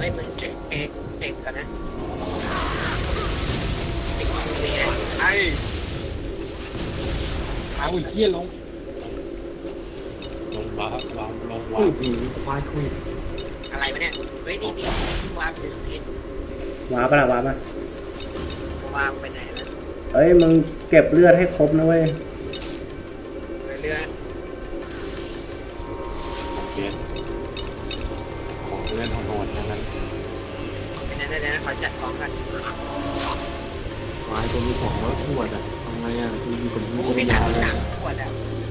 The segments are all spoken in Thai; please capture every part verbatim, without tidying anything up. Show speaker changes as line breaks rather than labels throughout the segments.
ไม่มึงเช็คเช็คเช็คกันนะเช็คตรงนี้นะ
ไอ้เอาเหี้ยลงลงวางวางลงวางผีควายคุย
อะไรวะเนี่ยเฮ้ยนี่นี่วางถึงพิษ
วาร์ปละวาร์ปละ
วางไปไหนแล้ว
เอ้ยมึงเก็บเลือดให้ครบนะเว้ย
เรือ
เกียนของเล่นของโหดทั้งนั้น
เป็นนั่นนั่นขอจัดของกัน
ควายตัวมีของแล้วขวดอ่ะทำไงอ่ะคือมีคนที่
ไม่ถังถังขวดอ่ะ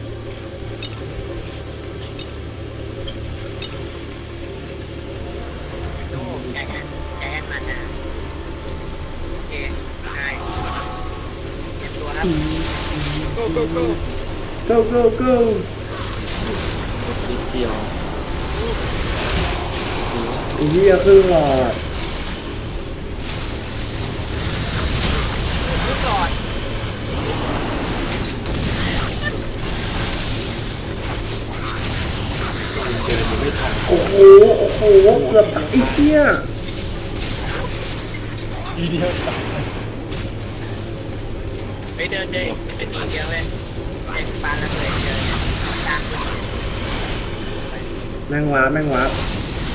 โอ้แกแกแกมานะโอเคได้เตรียมตัวครับ go go go
go go go
นิดเดียว
อีเหี้ยคือหลอด
ลูกหลอด
เจอจะไม่ทัน
โอ้โหโอ้โหเกือบอีเหี้ย
ทีเดียว
ไปเดินเลยเป็นทีเดียวเลยเด็กปลาละเลยเจอตาม
แม่งวาร์ปแม่งวาร์ป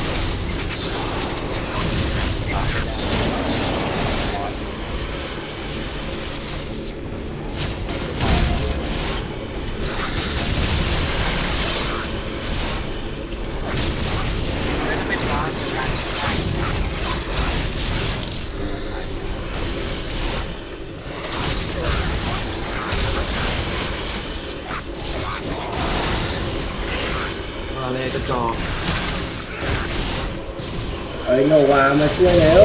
อะไรกระจอก
เอ้ยโนวามาช่วยแล้ว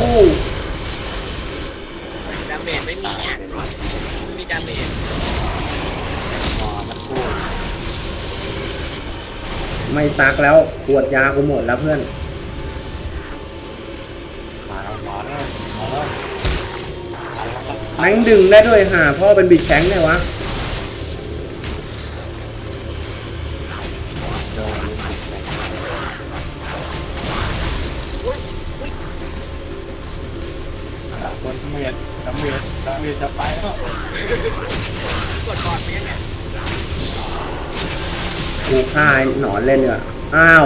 ดาเมจไม่มีเนี่ยไม่มีดาเมจ
อ๋อมันพูด
ไม่ซักแล้วปวดยากูหมดแล้วเพื่อน
มาแล้วมาแล้วมาแล้ว
แม่งดึงได้ด้วยห่าพ่อเป็นบิดแข็งไงวะ
คนเมียดดำเมียดดำเมียดจะไปแล้ว
กดบอลไปยังไง
กูฆ่าหนอนเล่นเนี่ยอ้าว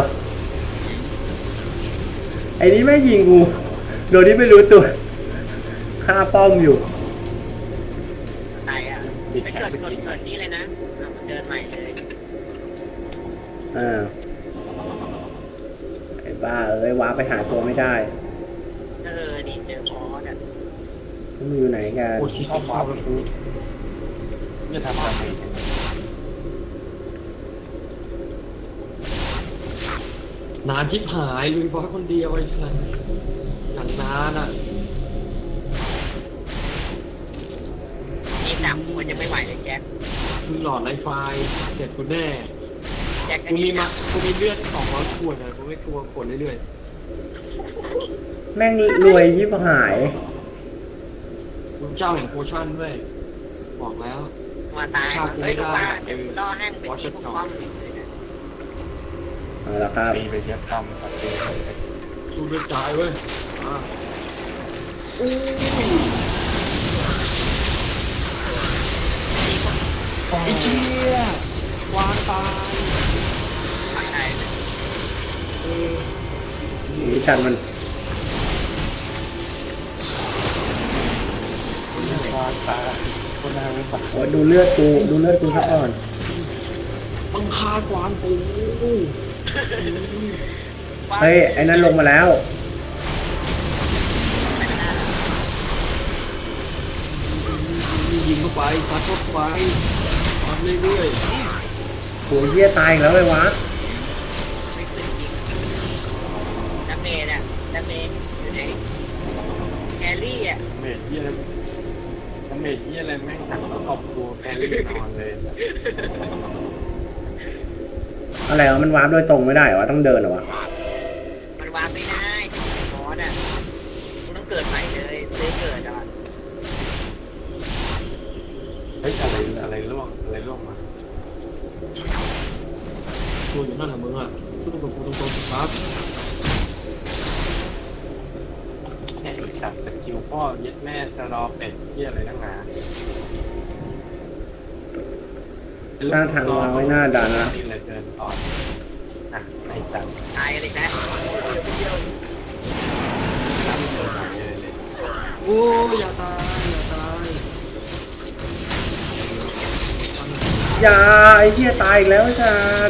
ไอ้นี้ไม่ยิงกูโดยที่ไม่รู้ตัวฆ่าป้อมอยู่
ตายอ่ะไปเกิดคนเกิดนี้เลยนะเดินใหม่เลย
เออไอ้บ้าเอ้ยว้าไปหาตัวไม่ได้
เออดีเจอพอสอ่ะ
มึงอยู่ไหนกัน
โอ้ยเข้าฟ้าไปคือจะทำอะไรนานทิพหายลุยเพราะคนเดียวไอ้สัสอย่างนานอ่ะ
นี่หนักมันยังไม่ไหวเลยแจ็ค
มึงหลอดไลฟ์ไฟเสร็จกูแน่
แจ็ค
กูมีมากูมีเลือดสองร้อยขวดอ่ะกูไม่กลัวขวดเรื่อย
ๆแม่งรวยยิบหาย
คุณเจ้าแห่งโพชั่นด้วยบอกแล้ว
มาตายเฮ้ยป้าเดี๋ยวล่อแห้งเป็นที่พวกป้อม
เอาละครับ
ตีไปเทียบตั้มตัดตีดูเลือดจ่ายเว้ยอ่าอู้ไอ้เชี่ยวางตาย
ฝั่งไหน
นี่ชันมัน
วางตายคนน่าไม่ฝัน
โอ้ดูเลือดกูดูเลือดกูซะก่อน
บังคากวางกู
เฮ้ยไอ้นั่นลงมาแล้ว
ยิงเข้าไปซัดเข้าไปซัดเรื่อย
ๆโหเหี้ยตายอีกแล้วเลยวะ
ดาเมจอ่ะดาเมจอยู่ไหนแครี่อ่ะ
เมจเยี่ยอะไรเมจเยี่ยอะไรแม่งสั่งแล้วขอบตัวแครี่นอนเลย
อะไรวะมันวาร์ปโดยตรงไม่ได้เหรอต้องเดินเหรอวะ
มันวาร์ปไม่ได้มอสอ่ะคุณต้องเกิดใหม่เลยซื้อเกิดอ่ะ
เฮ้ยอะไรอะไรล่วงอะไรล่วงมาตัวอยู่นั่นแหละมึงอ่ะพูดตรงๆพูดตรงๆครับ
เนี่ยไอ้จับสกิลพ่อยึดแม่สรอเป็ดเที่ยอะไรตั้งนาน
หน้าทางวางไว้หน้าด่านนะ
นี่เลยเกินต่ออ่ะในจัง
ตายกันอีกแล้ว
ตั้งตัวไหนเลยเนี่ย
โอ้ยอย่าตายอย่าตาย
อย่าไอ้เหี้ยตายอีกแล้วจ้า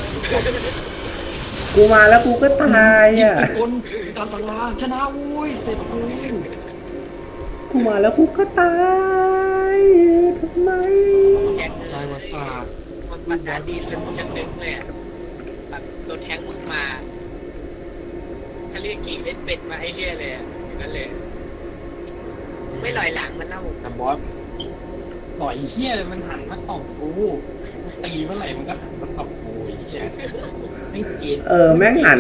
กูมาแล้วกูก็ตายอ่ะ
คนตามตารางชนะอุ้ยเสร็จกู
กูมาแล้วกูก็ตายทำไม
แจ็ค
ตายมาสาด
มันมันดาดีเลยมึงจะนึกเลยอ่ะแบบโดนแทงมึงมาเขาเรียกกี่เล่นเป็ดมาไอ้เรี่ยเลยอ่ะอย่างนั้นเลย ไม่ลอยหลังมันเล่า
แต่บอสต่อยเฮี้ยเลยมันหันมาตบกูตีเมื่อไหร่มันก็หันมาตบกูไอ้เฮี้ยไม่เกลียด
เออแม่งหัน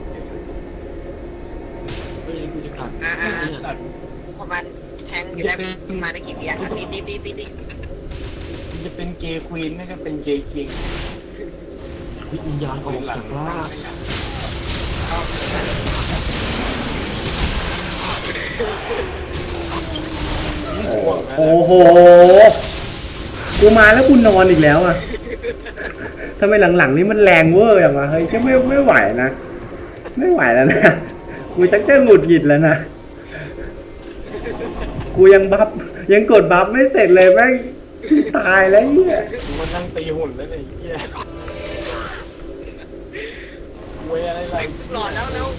เฮ้ยกูจะขาด
อ่าอ่า
ตัด
ประมาณแทงอยู่ได้ประมาณได้กี่ปีอ่ะตีตีตีตีตี
มันจะเป็นเกย์ควีนไม่ก็เป็นเกย์คิง
วิญญาณออกจากร่าง
โอ้โห กูมาแล้วกูนอนอีกแล้วอ่ะทำไมหลังๆนี้มันแรงเวอร์อย่างวะเฮ้ยจะไม่ไม่ไหวนะ ไม่ไหวแล้วนะ กูชักจะหงุดหงิดแล้วนะ กูยังบัฟยังกดบัฟไม่เสร็จเลยแม่งตายแล้วเหี้ย
กูมันนั่งตีหุ่นแล้วเนี่ยไอ้เฮี้ยเวยอะไร
ไปหลอดแล้วแล้ว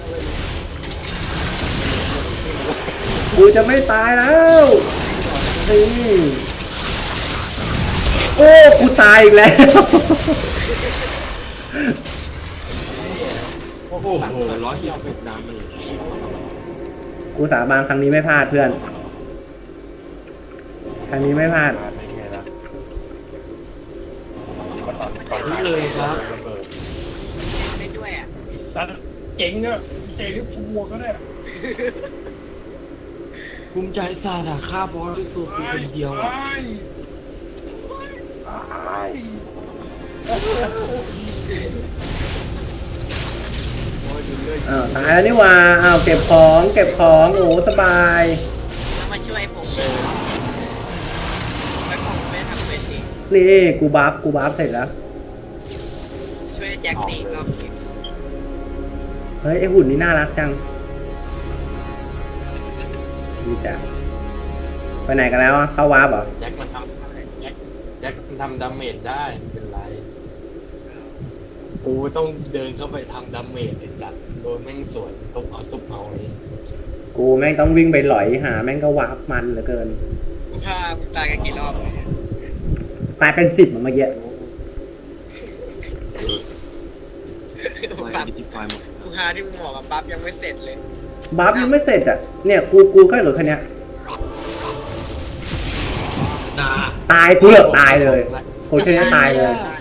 กูจะไม่ตายแล้วนี่โอ้กูตายอีกแล้ว
โอ้โห
โอ้โหร้อยยี่สิบหกดามเลย
กูสาบานครั้งนี้ไม่พลาดเพื่อน ครั้งนี้ไม่พลาด
เป็นไงล่ะก็ตอนตอน
นี่เลยครับ
ระเบิด
เล่นด้วยอ่ะ
สัตว์เจ๋งอะเจ๋งที่พัวก็ได้
ภูมิใจซาดาฆ่าบอสด้วยตัวกูคนเดียวอ่ะ
อ้าวตายแล้วนี่หว่าอ้าวเก็บของเก็บของโอ้สบาย
แล้วมาช่วยผมแล้วผมไม่ทำเป็นอีก
นี่กูบัฟกูบัฟเสร็จแล้ว
ช่วยแจ็คตีก็มี
เฮ้ยไอหุ่นนี่น่ารักจังดีจ้ะไปไหนกันแล้วอะเข้าวาร์ปเหรอ
แจ็คมันทำแจ็คแจ็คมันทำดาเมจได้ไม่เป็นไรกูต้องเดินเข้าไปทำดาเมจไอ้สัตว์โดนแม่งสวนทุบเอาทุบเอาเลย
กูแม่งต้องวิ่งไปหลอยหาแม่งก็วาร์ปมันเหลือเกิน
ถ้าตายกันกี่รอบเลย
ตายเป็นสิบอะเมื่อกี้
ปั๊บกูหาที่มึงบอกกับปั๊บยังไม่เสร็จเลย
บัฟยังไม่เสร็จอะเนี่ยกูกูแค่เหลือแค่เนี้ย
นา
ตายกูเหลือตายเลยโคตรแค่นี้ตายเลย
ตาย